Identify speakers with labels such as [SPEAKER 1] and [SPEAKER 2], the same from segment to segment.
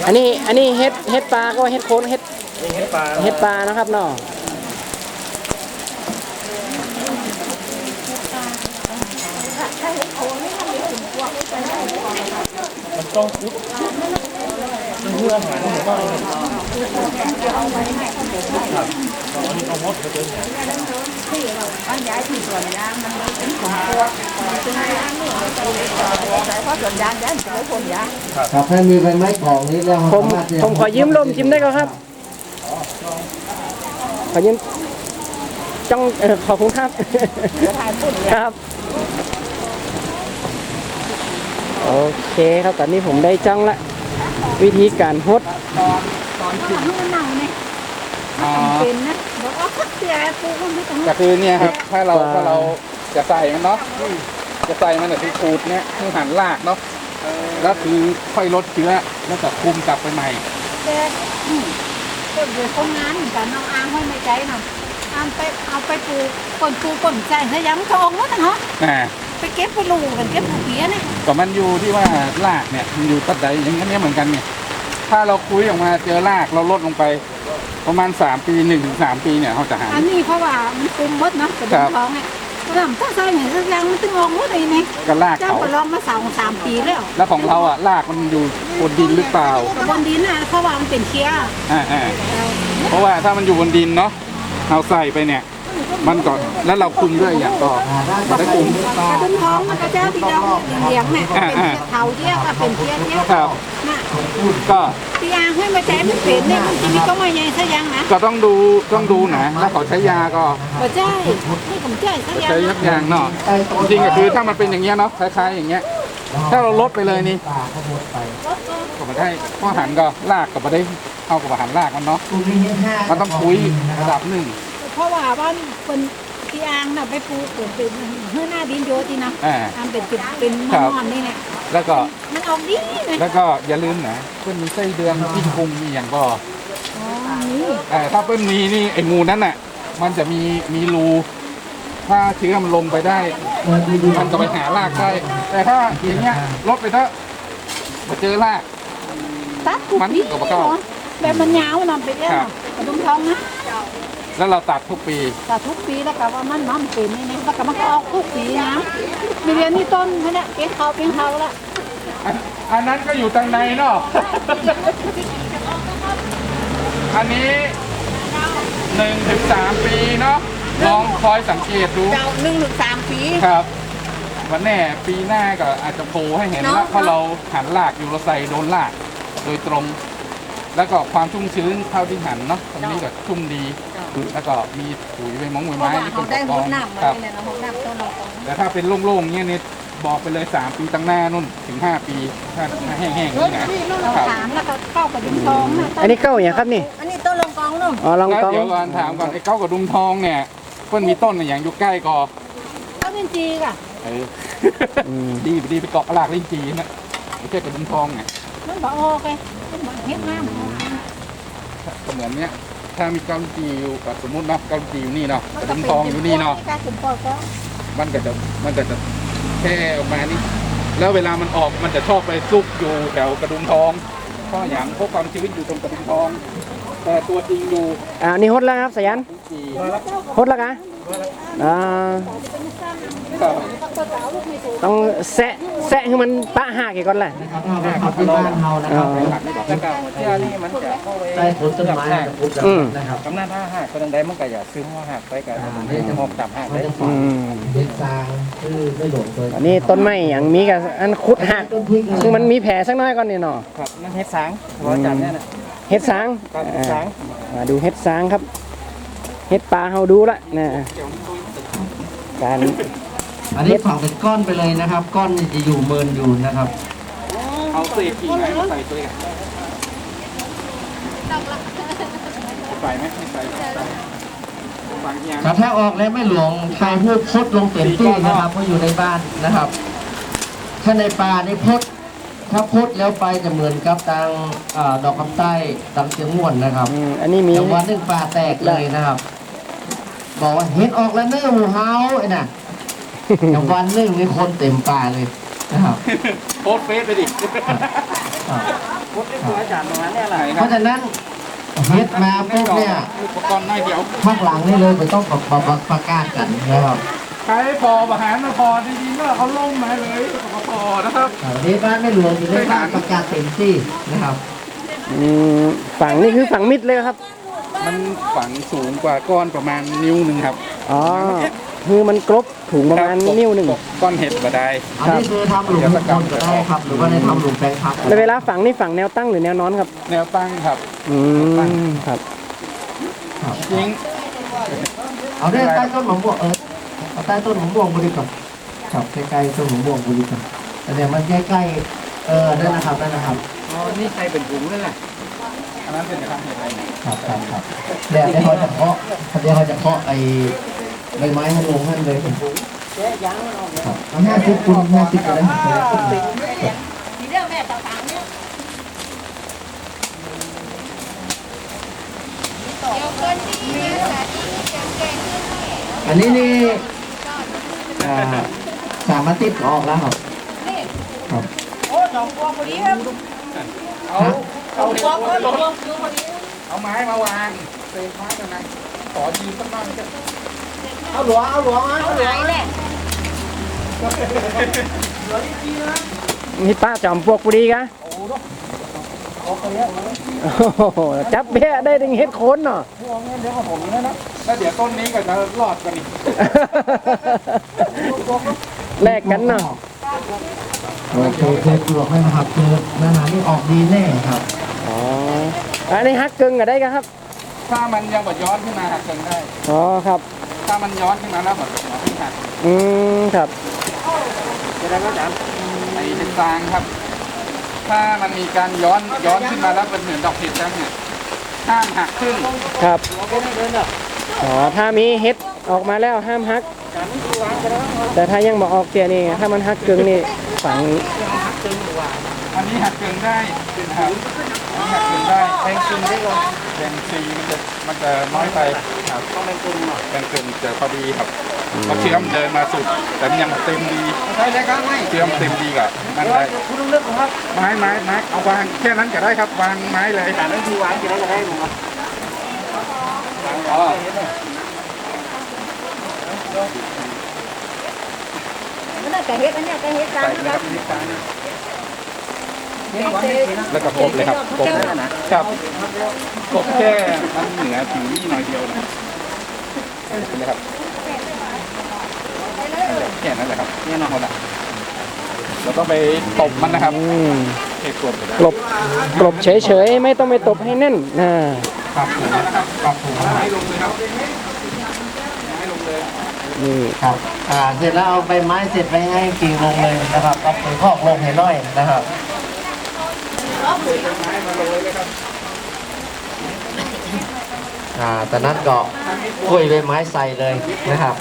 [SPEAKER 1] อันนี้เฮ็ดปลาก็เฮ็ดโคนเฮ็ดปลานะครับเนาะ
[SPEAKER 2] มันต้องคุดเพื่ออาหารของบ้านครับอันนี้เอามดไปเจอเนี่ย
[SPEAKER 3] บ้านย้ายที่สวนยางมันเป็นของพวกซึ่งยางนี่เราใช้เพราะสวนยางย้ายจะไม่พ้นยาง
[SPEAKER 4] ครับถ้ามีใบไม้ของนี้แล้ว
[SPEAKER 1] ผมขอยืมลมชิมได้ก็ครับขอยืมจ้องขอบคุณครับครับโอเคครับตอนนี้ผมได้จ้องละวิธีการฮด
[SPEAKER 3] ตอนขึ้นมันหนังเนี่ยเป็นนะบอกว่าเสียปูมันไม่ต้อง
[SPEAKER 2] ก็คือเนี่ยครับถ้าเราจะใส่มันเนาะจะใส่มันแต่ที่ขูดเนี่ยคือหั่นรากเนาะแล้วคือค่อยลดเชื้อแล้วก็คุมกลับไปใหม่
[SPEAKER 3] แต่คนเดือดคนงานเหมือนกันน้องอ้างให้ไม่ใจน่ะเอาไปปลูกก่นใจเฮ้ยยังมันจะออกแล้วนะฮะไปเก็บไปลูกกันเก็บผูกเพี้ยเนี่ย
[SPEAKER 2] ก็มันอยู่ที่ว่ารากเนี่ยมันอยู่ตัดใดอย่างนี้เหมือนกันเนี่ยถ้าเราคุยออกมาเจอรากเราลดลงไปประมาณ3 ปี 1 ถึง 3 ปีเนี่ยเขาจะหา
[SPEAKER 3] อันนี้เพราะว่ามันคุมมดเนาะกระดูกท้องเนี่ยถ้าใส่เห็นสักอย่างมันตึงออกมดเลยนี่
[SPEAKER 2] ก็ราก
[SPEAKER 3] เจ้าก็ลองมา2-3 ปี
[SPEAKER 2] แล้วของเราอ่ะรากมันอยู่บนดินหรือเปล่า
[SPEAKER 3] บนดินน่ะเพราะว่ามันเป็นเคี้ย
[SPEAKER 2] เพราะว่าถ้ามันอยู่บนดินเนาะเราใส่ไปเนี่ยมันก็แล้วเราคุมด้วยอย่างก็มาได้คุม
[SPEAKER 3] กระดุมท้องมันก็เจ้าที่เราเลี้ยงเนี่ยเป็นเท้าเที่ยวก็เป็นเที่ยว
[SPEAKER 2] ครับก็
[SPEAKER 3] ที่ยางให้มาใช้มันเป็นเนี่ยมันจะมีก็ไม่ใหญ่ซะยังนะ
[SPEAKER 2] ก็ต้องดูนะแล้วเขาใช้ยาก็
[SPEAKER 3] ใช่ไม่ผมใช้ซะยัง
[SPEAKER 2] ใช้ยักยางเนาะจริงก็คือถ้ามันเป็นอย่างเงี้ยเนาะคล้ายๆอย่างเงี้ยถ้าเราลดไปเลยนี่ก็มาได้ข้อหันก็ลากก็มาได้เข้ากับอาหารลากมันเนาะมันต้องคุยระดับหนึ่ง
[SPEAKER 3] เพราะว่าบ้านเป็นที่อ่างน่ะไปปลูกเป็นเฮือหน้าดินโยตินะทำเป็นจุดเป็นมันนี่แหละ
[SPEAKER 2] แล้วก็
[SPEAKER 3] มันออกดีนะ
[SPEAKER 2] แล้วก็อย่าลืมนะเพื่อนมีไส้เดือนที่พุงมีอย่างก็ถ้าเพื่อนมีนี่ไอ้งูนั้นน่ะมันจะมีรูถ้าเชื้อมันลงไปได้มันก็ไปหารากได้แต่ถ้าอย่างเงี้ยลดไปเถอะมาเจอราก
[SPEAKER 3] ตัดมันก็มาเข้าแบบมันยาวมันไปแล้วกระดุมทองนะ
[SPEAKER 2] แล้วเราตัดทุกปี
[SPEAKER 3] แล้วก็ว่ามันเป็นนี่นะแล้วก็มันก็ออกทุกปีนะมีเรียนนี่ต้นเนี่ยเป็นเขาละ
[SPEAKER 2] อันนั้นก็อยู่ทางในเนาะอันนี้1 ถึง 3 ปีเนาะลองคอยสังเกตดู
[SPEAKER 3] 1 ถึง 3 ปี
[SPEAKER 2] ครับวันแน่ปีหน้าก็อาจจะโผล่ให้เห็นแล้วเพราะเราหันรากอยู่เราใส่โดนรากโดยตรงแล้วก็ความชุ่มชื้นเท่าที่หันเนาะตรงนี้ก็ชุ่มดีแล้วก็มีปุ๋ยใบมงใบไม้ที่เป็นตะกอนครับแต่ถ้าเป็นโล่งๆเงี้ยเนี่ยบอกไปเลย3 ปีตั้งหน้านู่นถึง5 ปีถ้าแห้งๆนี่นะ
[SPEAKER 3] ถามแล้วก็เข้ากระดุมทอง
[SPEAKER 1] อันนี้เก้าอย่างครับนี่
[SPEAKER 3] อันนี้ต้นลองกองนู่น
[SPEAKER 1] อ๋อลองกอง
[SPEAKER 2] เดี๋ยวก่อนถามก่อนไอ้เก้ากระดุมทองเนี่ยเพิ่นมีต้นอย่างอยู่ใกล้กอ
[SPEAKER 3] ต้นลิ้นจีก่ะ
[SPEAKER 2] ดีไปเกาะรากลิ้นจีนะไม่ใช่กระดุมทองไง
[SPEAKER 3] มันบอกโอเคมันบอกเฮ็ดงาม
[SPEAKER 2] ก็เหมือนเนี้ยถ้ามีกำจีอยู่สมมุตินะกำจีอยู่นี่เนาะกระดุมทองอยู่นี่เนาะมันก็จะแค่ออกมานี่แล้วเวลามันออกมันจะชอบไปซุกอยู่แถวกระดุมทองเพราะอย่างพวกความชื้นอยู่ตรงกระดุมทองแต่ตัวจริงอยู่
[SPEAKER 1] นี่ฮดแล้วครับสยันฮดแล้วกันต้องแซะให้มันปะหักก่อนแหละ
[SPEAKER 4] ที่บ้านเรานะครับ
[SPEAKER 2] แล้วก็เที่ยนี่มันจะเข้าไป
[SPEAKER 4] ได้ผลต้นไม้
[SPEAKER 2] นะครับกำนันถ้าหักคนใดมันก็อย่าซื้อหัวหักไปกันจะหอบจับหักได้
[SPEAKER 4] เด็กซางคือไม่หลงเลย
[SPEAKER 1] อันนี้ต้นไม้อย่างมีกับอันขุดหักคือมันมีแผลสักน้อยก่อนนี่เนาะ
[SPEAKER 2] ครับนั่นเฮ็ดสางหัวจับเนี่ยนะ
[SPEAKER 1] เฮ็ดสางมาดูเฮ็ดสางครับเฮ็ดปลาเขาดูละนะการ
[SPEAKER 4] อันนี้ฝังเป็นก้อนไปเลยนะครับก้อนจะอยู่เมินอยู่นะครับ
[SPEAKER 2] เอาเศษกิ่งไม้ใส่ตัวใส่ไหมไม่ใส่
[SPEAKER 4] ถ้าออกแล้วไม่หลวงใครพูดพดลงเต็มที่นะครับเพราะอยู่ในบ้านนะครับถ้าในป่านี่พดถ้าพดแล้วไปจะเหมือนกับทางดอกคำใต้ตำเสียงม่วนนะครับ
[SPEAKER 1] อันนี้มี
[SPEAKER 4] วันหนึ่งป่าแตกเลยนะครับบอกว่าเห็นออกแล้วเนื้อหมูเฮาไอ้น่ะแต่วันหนึ่งมีคนเต็มป่าเลยนะครับ
[SPEAKER 2] โพสเฟซไปดิ
[SPEAKER 4] เพราะฉะนั้นเฮ็ดมาปุ๊บเนี่ย
[SPEAKER 2] อุปกรณ์น้อยเดียว
[SPEAKER 4] ข้างหลังนี่เลยไม่ต้องประกาศกันนะครับ
[SPEAKER 2] ใครพอประหารมาพอจริงๆก็เขาล่มมาเลยพอนะครับ
[SPEAKER 4] วันนี้บ้านไม่หลวงอยู่ในบ้านประกาศเต็มที่นะครับ
[SPEAKER 1] ฝั่งนี่คือฝั่งมิดเลยครับ
[SPEAKER 2] มันฝังสูงกว่าก้อนประมาณนิ้วหนึ่งครับ
[SPEAKER 1] อ๋อคือมันกรบถุงประมาณนิ้วหนึ่ง
[SPEAKER 2] ก้อนเห็ดก็ได้
[SPEAKER 4] อันนี้คือทำหลุมทุกคนก็ได้ครับ หรือว่าในทำหลุมแปลงพัก
[SPEAKER 1] แล้วเวลาฝังนี่ฝังแนวตั้งหรือแนวนอนครับ
[SPEAKER 2] แนวตั้งครับ
[SPEAKER 1] ครับ
[SPEAKER 4] ครับ
[SPEAKER 2] ยิง
[SPEAKER 4] เอาได้ใต้ต้นมะม่วงเอาใต้ต้นมะม่วงบริกรรมครับใกล้ๆต้นมะม่วงบริกรรมแต่เนี่ยมันใกล้ๆได้นะครับได้นะครับ
[SPEAKER 2] อ๋อนี่ใครเป็นถุงเลยแหละอันนั้นเป็นกระทำเห็ดอะไรเนี่ย
[SPEAKER 4] ครับเดี๋ยวเขาจะเคาะไอ้ใบไม้ให้ลงให้เลยครับเอา50 คูณ 50ก็ได้
[SPEAKER 3] ทีเดียวแม่ต่างๆเนี่ยเดี๋ยวคนที่สาธิตเก่งๆ
[SPEAKER 4] อันนี้นี่3 อาทิตย์ก็ออกแล้วครับครับ
[SPEAKER 3] โอ้สองพวงพอดีครับ
[SPEAKER 2] เอาพวงเอาไม้มาวางเศษไม้กันนะขอยืมสักบ้างจะ
[SPEAKER 4] เอาหลวงมา
[SPEAKER 3] เอาไหนแหละ
[SPEAKER 1] นี่ป้าจอมปลวกพอดีกะโอ้โหจับเบี้ยได้ถึงเฮ็ดโคนเนาะ
[SPEAKER 2] พวงเงี้ยเดี๋ยวของผมนะแล้วเดี๋ยวต้นนี้ก็จะรอดกันอีก
[SPEAKER 1] แลกกันเนาะ
[SPEAKER 4] เคยปลวกให้นะครับคือหน้าหนานี่ออกดีแน่ครับ
[SPEAKER 1] อ๋ออันนี้ฮักกึ่งก็ได้กะครับ ถ้า
[SPEAKER 2] ถ้ามันยังบดย้อนขึ้นมาหักเกินได้
[SPEAKER 1] อ๋อครับ
[SPEAKER 2] ถ้ามันย้อนขึ้นมาแล้วแบบหัวขึ้นหัก
[SPEAKER 1] ครับ
[SPEAKER 2] จะได้ก็จะไอ้เห็ดฟางครับ ถ้ามันมีการย้อนขึ้นมาแล้วเป็นเหมือนดอกเห็ดจังเนี่ยห้ามหักขึ้น
[SPEAKER 1] ครับอ๋อถ้ามีเฮ็ดออกมาแล้วห้ามฮัก แต่ถ้ายังบอกออกเกียนี่ถ้ามันฮักกึ่งนี่ฝัง
[SPEAKER 2] อันนี้หักเกินได้นะครับอันนี้หักเกินได้แบ่งซีได้ก่อนแบ่งซีมันจะน้อยไปครับต้องแบ่งเกินหน่อยแบ่งเกินจะพอดีครับเพราะเชื่อมเดินมาสุดแต่มันยังเต็มดีใช่ครับไม่เชื่อมเต็มดีกับนั่นได้คุณต้องเลือกครับไม้เอาวางแค่นั้นก็ได้ครับวางไม้เลยแต่นั่นคือวางกี่ได้ก็ได้ผมครับอ๋อ
[SPEAKER 3] นั่นน่ะกะเฮ็ดอันเนี้ยกะเฮ็ดกลาง
[SPEAKER 2] ใส่เลยครับนี่กลางแล้วก็กบเลยครับกบครับกบแค่มันเหนือผิวนี่หน่อยเดียวนะเป็นเลยครับแค่นั้นแหละครับเนี่ยน้องคนละเราต้องไปตบมันนะครับเอกกบ
[SPEAKER 1] กลบเฉยๆไม่ต้องไปตบให้แน่นนะ
[SPEAKER 2] ปรับถูนะครับปรับถูไม้ลงเลยครับไม้ลงเลย
[SPEAKER 1] นี่
[SPEAKER 4] ครับเสร็จแล้วเอาใบไม้เสร็จไปให้กิ่งลงเลยนะครับเอาปุ๋ยคอกลงให้น้อยนะครับ
[SPEAKER 2] ไม้มาโรยเลยครับ
[SPEAKER 4] แต่นั้นก็กล้วยใบไม้ใส่เลยนะครับ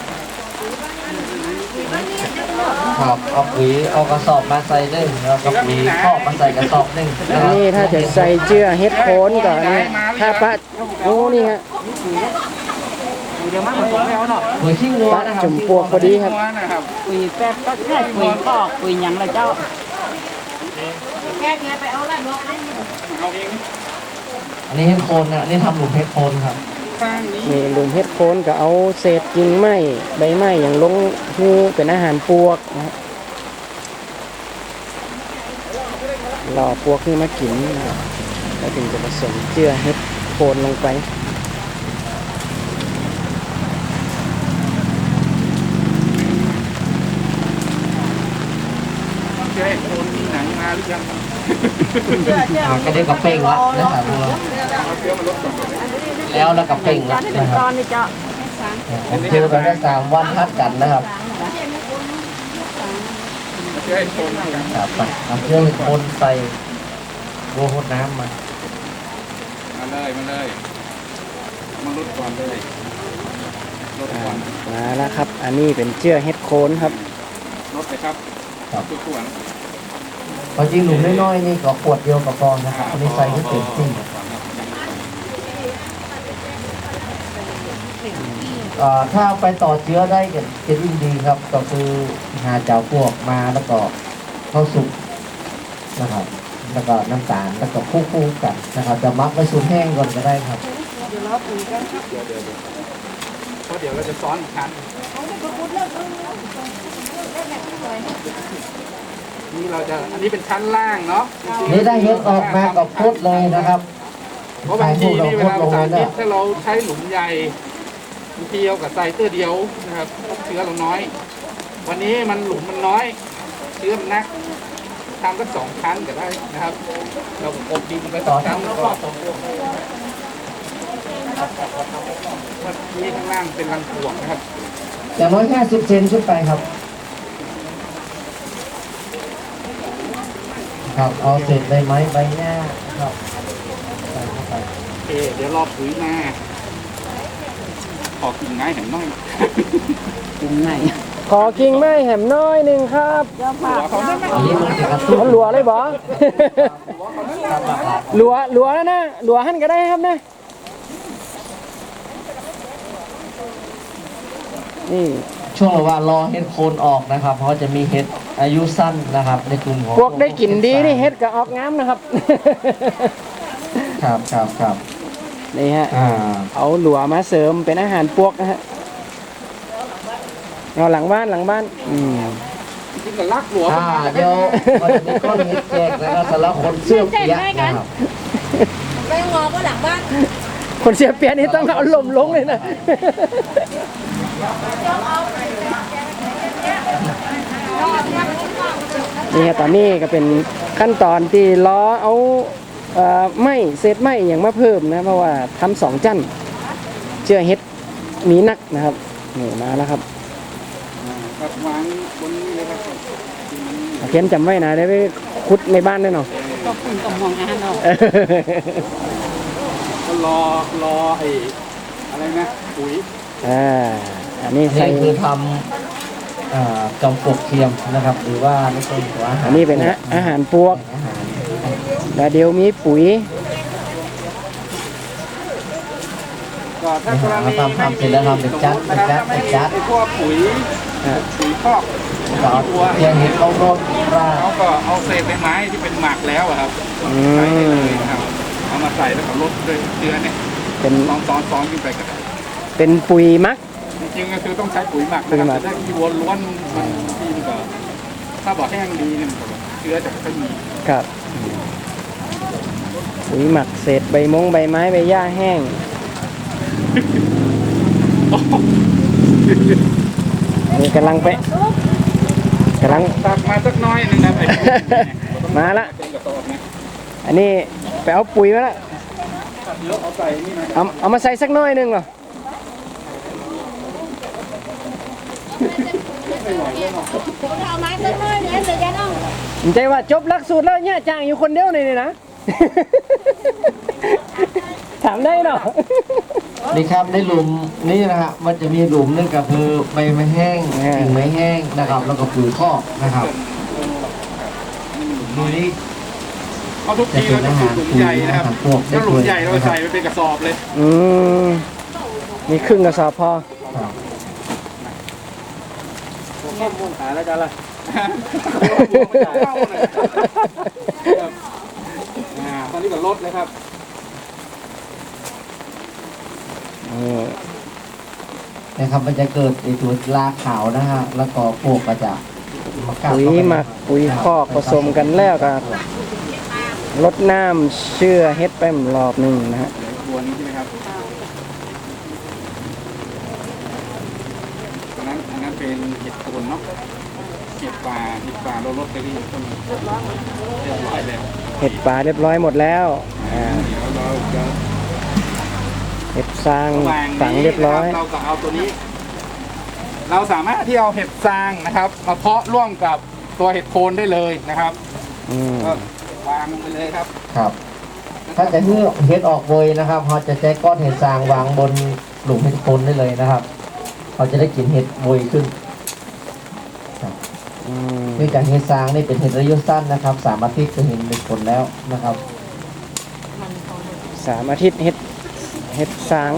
[SPEAKER 4] ครับเอาปุ๋ยเอากระสอบมาใส่หนึ่งแล้วก็ปุ๋ยคอกมาใส่กระสอบหนึ่ง
[SPEAKER 1] อันนี้ถ้าจะใส่เจือเฮ็ดโคนก่อนเนี่ยถ้าปะโอ้นี่ฮะ
[SPEAKER 4] ปุ๋ยขี้งัว
[SPEAKER 1] ปะ
[SPEAKER 4] นะครับ
[SPEAKER 1] จุ่มปลวกพอดีครับ
[SPEAKER 2] นะครับ
[SPEAKER 5] ปุ๋ยแป๊บก็แค่ปุ๋ยคอกปุ๋ยหยังละเจ้า
[SPEAKER 3] แค่ไงไปเอาละเนาะ
[SPEAKER 2] เอาเอง
[SPEAKER 4] อันนี้เฮ็ดโคนนะอันนี้ทำหลุมเฮ็ดโคนครับ
[SPEAKER 2] สร้างนี้
[SPEAKER 1] นี่ลุมเฮ็ดโคนก็เอาเศษกิ่งไม้ใบไม้อย่างลงหูเป็นอาหารปลวกนะฮะรอปลวกนี่มากินนะครับแล้วถึงจะผสมเจือเฮ็ดโคนลงไป
[SPEAKER 2] เจ๊โคนมีหนังมาหรือยัง
[SPEAKER 4] ก็เรียกกับเป่งละนะครับแล้วกับเป่งละ
[SPEAKER 5] จะได้
[SPEAKER 4] นะค
[SPEAKER 5] ต
[SPEAKER 4] รั
[SPEAKER 5] อบ นนี้เจ้า
[SPEAKER 4] ผมเจอกันได้3 วันทัดกันนะครับ
[SPEAKER 2] เจ๊โคนมีหนัง
[SPEAKER 4] ครับไปเอาเครื่องคนใส่โบโหดน้ำมา
[SPEAKER 2] มาเลยมาลดก่อนเลยลดก่อน
[SPEAKER 1] มาแล้วครับ อันนี้เป็นเจือเฮ็ดโคนครับ
[SPEAKER 2] ลดเลยครับทุกส่วน
[SPEAKER 4] พอจริงหลุมน้อยๆนี่ก็ขวดเดียวกับพอนะครับอันนี้ใส่ให้เต็มที่ถ้าไปต่อเชื้อได้ก็จะยิ่งดีครับ ก็คือหาเจ้าพวกมาแล้วก็เข้าสุกนะครับแล้วก็น้ำตาลแล้วก็คู่กันนะครับจะมักไว้สูตรแห้งก่อนก็ได้ครับ
[SPEAKER 2] เพราะเดี๋ยวเราจะซ้อนอีกครั้งนี่เราจะอันนี้เป็นชั้นล่างเนาะ
[SPEAKER 4] นี่ได้เฮ็ดออกมากับพุทธเลยนะครับ
[SPEAKER 2] เพราะบางทีนี่เวลาสารพิษถ้าเราใช้หลุมใหญ่บางทีเอากับใส่เตื้อเดียวนะครับเชื้อเราน้อย วันนี้มันหลุมมันน้อย เชื้อมันนักทำสัก2 ชั้นก็ได้นะครับ เราอบดินไป2 ชั้นแล้วก็นี่ข้างล่างเป็นรังปลวกนะครับ
[SPEAKER 4] อย่างน้อย50 เซนขึ้นไปครับครับเอาเศษใบไม้ใบหญ้าครับใส่เข้าไป
[SPEAKER 2] โอเคเดี๋ยวรอปุ๋ยมาขอกิ่งไม้แหน่งน้อย
[SPEAKER 5] กินไง
[SPEAKER 1] ขอกิ่งไม้แหมน้อยหนึ่งครับ
[SPEAKER 2] หัวเขาได้ไหม
[SPEAKER 4] อันนี้มันจะกระตุ้น
[SPEAKER 1] มันหลัวเลยบ่ หลัวแล้วนะหลัวหั่นก็ได้ครับนะนี่
[SPEAKER 4] ช่วงระหว่างรอเห็ดโคนออกนะครับ เพราะจะมีเห็ดอายุสั้นนะครับ ในกลุ่มของ
[SPEAKER 1] พวกได้กลิ่นดีนี่เฮ็ดก็ออกงามนะครับ
[SPEAKER 4] ครับ
[SPEAKER 1] นี่ฮะ
[SPEAKER 4] อ่า
[SPEAKER 1] เอาหลัวมาเสริมเป็นอาหารพวกนะฮะเอาหลังบ้าน
[SPEAKER 2] จริงกับลักหัว
[SPEAKER 4] เดี๋ยวมันจะมีก้อนเห็ดแจกนะครับสำหรับคนเสื้อเปียกนะครับ
[SPEAKER 3] ไปงอก็หลังบ้าน
[SPEAKER 1] คนเสียเปรียบนี่ต้องเอาลมลงเลยนะ นี่ฮะตอนนี้ก็เป็นขั้นตอนที่ล้อเอาไม้เศษไม้อย่างมาเพิ่มนะเพราะว่าทำ2 จั่นเชื่อเฮ็ดมีนักนะครับนี่มาแล้วครับ
[SPEAKER 2] กับวางบนนี้เลยครับ
[SPEAKER 1] เขียนจำไว้นะได้ไปขุดในบ้านได้เนาะ
[SPEAKER 5] ก็คุณกับมองอาหารเนาะ
[SPEAKER 2] ก็รอไอ้อะไรนะปุ๋ย
[SPEAKER 1] อันนี้ใส่
[SPEAKER 4] นี่คือทำจอมปลวกเทียมนะครับ หรือว่าไม่ใช่หัว
[SPEAKER 1] อันนี้เป็นอาหารพวก
[SPEAKER 4] อาหาร
[SPEAKER 1] แล้วเดี๋ยวมีปุ๋ย
[SPEAKER 2] ก็ถ้ากรณี
[SPEAKER 4] ทำเสร็จแล้วทำเป็นจัด
[SPEAKER 2] ไอ้พวกปุ๋ยคอก
[SPEAKER 4] ก็เอาเทียมเห็ดเข้าร่มราด
[SPEAKER 2] เขาก็เอาเศษใบไม้ที่เป็นหมักแล้วอะครับใช้ได้เลยนะครับเอามาใส่แล้วก็ลดด้วยเชื้อเนี่ย
[SPEAKER 1] เป็น
[SPEAKER 2] ซ้อนขึ้นไปก็ได้
[SPEAKER 1] เป็นปุ๋ยมัก
[SPEAKER 2] จริงๆก็คือต้องใช้ปุ๋ยหมักนะครับแต่ถ้าที่วนล้วนมันทีมันก็ถ้าบอกแห้งดีเนี่ยมันก็เชื้อจะไม่มี
[SPEAKER 1] ครับปุ๋ยหมักเศษใบไม้ใบหญ้าแห้งนี่กำลัง
[SPEAKER 2] ตักมาสักน้อยนึงนะไอ้
[SPEAKER 1] มาละ
[SPEAKER 2] เป็นกระสอบนะ
[SPEAKER 1] อันนี้ไปเอาปุ๋ยมาละ
[SPEAKER 2] เดี๋ยวเอาใส่นี่นะ
[SPEAKER 1] เอามาใส่สักน้อยหนึงเหรอ
[SPEAKER 3] เอาไม้ต้นไม้เนี่ยเดี๋ยวจะต้อง
[SPEAKER 1] ผมใจว่าจบหลักสูตรแล้วเนี่ยจ้างอยู่คนเดียวนี่นะ ถามได้เนาะ
[SPEAKER 4] นี่ครับในหลุมนี่นะฮะมันจะมีหลุมนึงก็คือใบไม้แห้งกิ่งไม้แห้งนะครับ แล้วก็ปุ๋ยคอกนะครับดูนี่
[SPEAKER 2] เพราะทุกทีเราจะปลูกหลุมใหญ่นะครับถ้าหลุมใหญ่เราใส่ไปเป็นกระสอบเลย
[SPEAKER 1] มีครึ่งกระสอบพอ
[SPEAKER 4] ครับ
[SPEAKER 1] ข้อมูลหาแล้วจ้ะล่ะ
[SPEAKER 2] ตอนนี้ก็ลดเลยครับ
[SPEAKER 4] นะครับมันจะเกิดไอตัวลาขาวนะฮะแล้วก็พวกก็จะกัด
[SPEAKER 1] ปุ๋ย
[SPEAKER 4] เข้าไป
[SPEAKER 1] หมักปุ๋ยคอกผสมกันแล้วก็ลดน้ำเชื่อเฮ็ดไปรอบหนึ่งนะฮะ
[SPEAKER 2] บัวนี้ใช่ไหมครับอันนั้นเป็นเห็ดโคนเนาะเห็ดป่าเราลดไปที่ต้นเรียบร้อยแล้ว
[SPEAKER 1] เห็ดป่าเรียบร้อยหมดแล้ว
[SPEAKER 2] เดี๋ยวเราจะ
[SPEAKER 1] เห็ดซาง
[SPEAKER 2] ระหว่าง
[SPEAKER 1] ฝัง
[SPEAKER 2] นี้
[SPEAKER 1] เรียบร้อย
[SPEAKER 2] เราก็เอาตัวนี้ เราสามารถที่เอาเห็ดซางนะครับมาเพาะร่วมกับตัวเห็ดโคนได้เลยนะครับ ก็วางลงไปเลยครับ
[SPEAKER 4] ครับ ถ้าจะเพื่อเห็ดออกเวยนะครับเขาจะใช้ก้อนเห็ดซางวางบนหลุมเห็ดโคนได้เลยนะครับเขาจะได้กลิ่นเห็ดเวยขึ้นเนื่องจากเห็ดซางนี่เป็นเห็ดระยะสั้นนะครับ3 อาทิตย์จะเห็นเป็นผลแล้วนะครับ
[SPEAKER 1] 3 อาทิตย์เห็ดสาง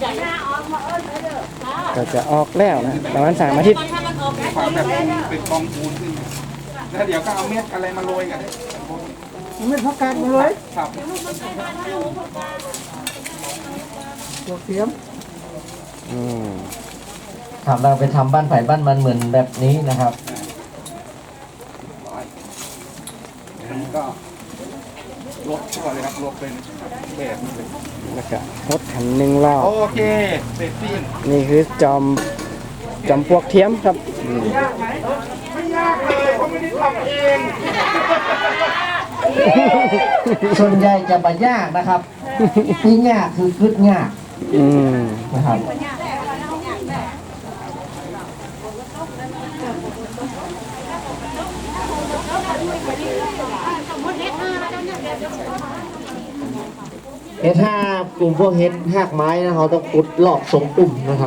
[SPEAKER 1] ก็จะออกแล้วนะประมาณ3 อาทิตย์
[SPEAKER 2] ความแบบเป็นกองปูนขึ้นแล้วเดี๋ยวก็เอาเม็ดอะไรมาโรยกัน
[SPEAKER 1] ไม่พักการมาเลย
[SPEAKER 2] ครับ
[SPEAKER 1] ตัวเทียม
[SPEAKER 4] ครับเราไปทำบ้านไผ่บ้านมันเหมือนแบบนี้นะครับ
[SPEAKER 2] อันนี้ก็ลดทั่วเลยครับลดเป็นแบบนี้เลย
[SPEAKER 1] แล้วก็รถคันหนึ่งรอบ
[SPEAKER 2] โอเคเสร็จสิ้น
[SPEAKER 1] นี่คือจอมปลวกเทียมครับ
[SPEAKER 2] ยากไหมไม่ยากเลยเพราะไม่ได้ทำเอง
[SPEAKER 4] ส่วนใหญ่จะมายากนะครับที่ยากคือกึดยาก
[SPEAKER 1] อืม
[SPEAKER 4] นะครับ เฮ็ดห้ากลุ่มพวกเฮ็ดหากไม้นะเขาต้องขุดหลอกทรงตุ่มนะครับ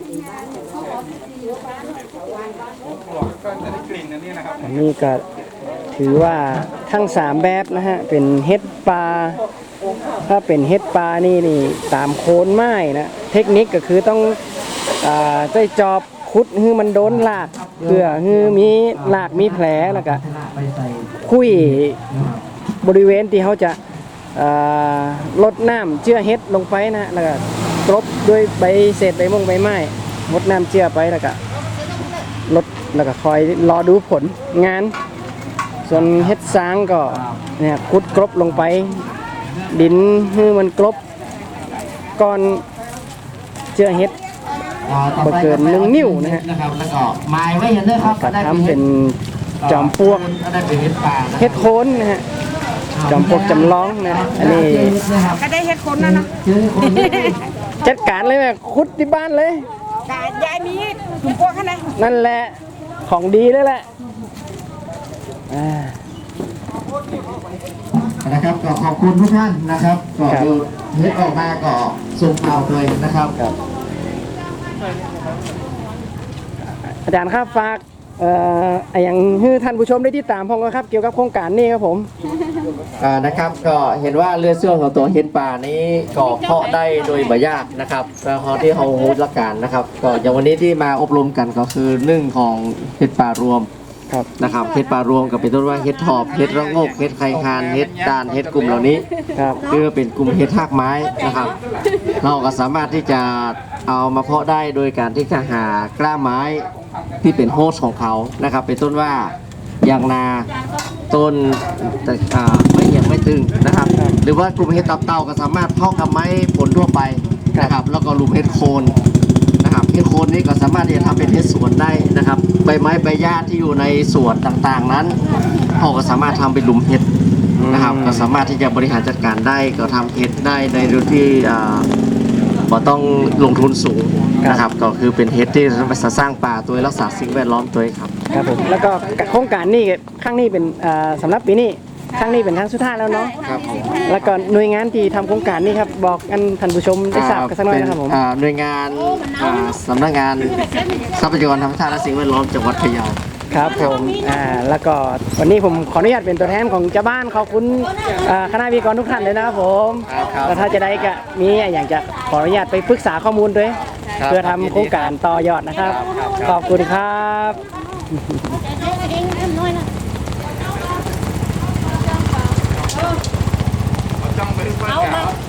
[SPEAKER 2] ก็จะได้กลิ่นอันนี้นะครับ
[SPEAKER 1] อันนี้ก็ถือว่าทั้ง3แบบนะฮะเป็นเฮ็ดปลาถ้าเป็นเฮ็ดปลานี่ตามโคนไม้นะเทคนิคก็คือต้องใช้จอบขุดให้มันโดนรากเพื่อให้มีรากมีแผลแล้วก็
[SPEAKER 4] ไปใส่
[SPEAKER 1] คุย
[SPEAKER 4] นะครับ
[SPEAKER 1] บริเวณที่เขาจะลดน้ำเจือเฮ็ดลงไปนะแล้วก็กรบด้วยใบเศษใบมงใบไม้ลดน้ำเจือไปแล้วก็ลดแล้วก็คอยรอดูผลงาน ส่วนเฮ็ดซางก็เนี่ยขุดกรบลงไป ดินให้มันกรบก่อนเจือเฮ็ด
[SPEAKER 4] ต่อไป
[SPEAKER 1] บ่เกิน1 นิ้วนะฮะ
[SPEAKER 4] นะครับแล้วก็ไม้ไว้อย่างนี้ครับ
[SPEAKER 1] ก็ทำเป็นจอมปลวก
[SPEAKER 4] ได้เป็นเฮ็ดป่านะ
[SPEAKER 1] เฮ็ดโคนนะฮะจอมปลวกจำลองนะอันนี้
[SPEAKER 3] ก็ได้เฮ็ดคนนะเนาะ
[SPEAKER 4] เจอคน
[SPEAKER 1] จัดการเลยแม่ขุดที่บ้านเลย
[SPEAKER 3] กะยายมีถุงพวกข้างใน
[SPEAKER 1] นั่นแหละของดีเลยแหละ
[SPEAKER 4] นะครับก็ขอบคุณทุกท่านนะครับก็
[SPEAKER 1] ครับ
[SPEAKER 4] ดูเฮ็ดออกมาก็ส่งข่าวเลยนะครับ
[SPEAKER 1] อาจารย์ครับฝากอย่างให้ท่านผู้ชมได้ติดตามพ้องกันครับเกี่ยวกับโครงการนี้ครับผม
[SPEAKER 4] นะครับก็เห็นว่าเรือเสื่องของตัวเฮ็ดป่านี้ก็เพาะได้โดยบ่ยากนะครับแล้วเขาที่เขาฮู้หลักการนะครับก็อย่างวันนี้ที่มาอบรมกันก็คือหนึ่งของเฮ็ดป่ารวม
[SPEAKER 1] ครับ
[SPEAKER 4] นะครับเฮ็ดป่ารวมกับเป็นต้นว่าเฮ็ดทอบเฮ็ดระโงกเฮ็ดไข่คานเฮ็ดตาลเฮ็ดกลุ่มเหล่านี้
[SPEAKER 1] ครับ
[SPEAKER 4] คือเป็นกลุ่มเฮ็ดทากไม้นะครับ เราก็สามารถที่จะเอามาเพาะได้โดยการที่จะหากล้าไม้ที่เป็นโฮสต์ของเขานะครับเป็นต้นว่ายางนาต้นไม่เหยียบไม่ตึงนะครับ หรือว่ากลุ่มเฮ็ดตับเต่าก็สามารถเพาะกับไม้ผลทั่วไปนะครับแล้วก็ลุมเฮ็ดโคนนะครับเฮ็ดโคนนี้ก็สามารถที่จะทำเป็นเฮ็ดสวนได้นะครับใบไม้ใบหญ้าที่อยู่ในสวนต่างๆนั้นเขาก็สามารถทำเป็นหลุมเห็ดนะครับก็สามารถที่จะบริหารจัดการได้ก็ทำเห็ดได้ในโดยที่บ่ต้องลงทุนสูงนะครับก็คือเป็นเฮ็ดที่สร้างป่าตัวรักษาสิ่งแวดล้อมตัวครับ
[SPEAKER 1] ครับผมแล้วก็โครงการนี้ครั้งนี้เป็นสำหรับปีนี้ครั้งนี้เป็นครั้งสุดท้ายแล้วเนาะ
[SPEAKER 4] ครับผม
[SPEAKER 1] แล้วก็หน่วยงานที่ทำโครงการนี้ครับบอกกันท่านผู้ชมได้ทราบกันสักหน่อยนะครับผม
[SPEAKER 4] หน่วยงานสำนักงานทรัพยากรธรรมชาติและสิ่งแวดล้อมจังหวัดพะเยา
[SPEAKER 1] ครับผมแล้วก็วันนี้ผมขออนุญาตเป็นตัวแทนของเจ้าบ้านขอบคุณคณะวิทยากรทุกท่านเลยนะครับผม
[SPEAKER 4] ครับ
[SPEAKER 1] แล้วถ้าจะได้ก็มีอย่างจะขออนุญาตไปปรึกษาข้อมูลด้วย
[SPEAKER 4] ครับ
[SPEAKER 1] เพื่อทำโครงการต่อยอดนะครับ ขอบคุณครับ
[SPEAKER 2] จ้องไปด้วย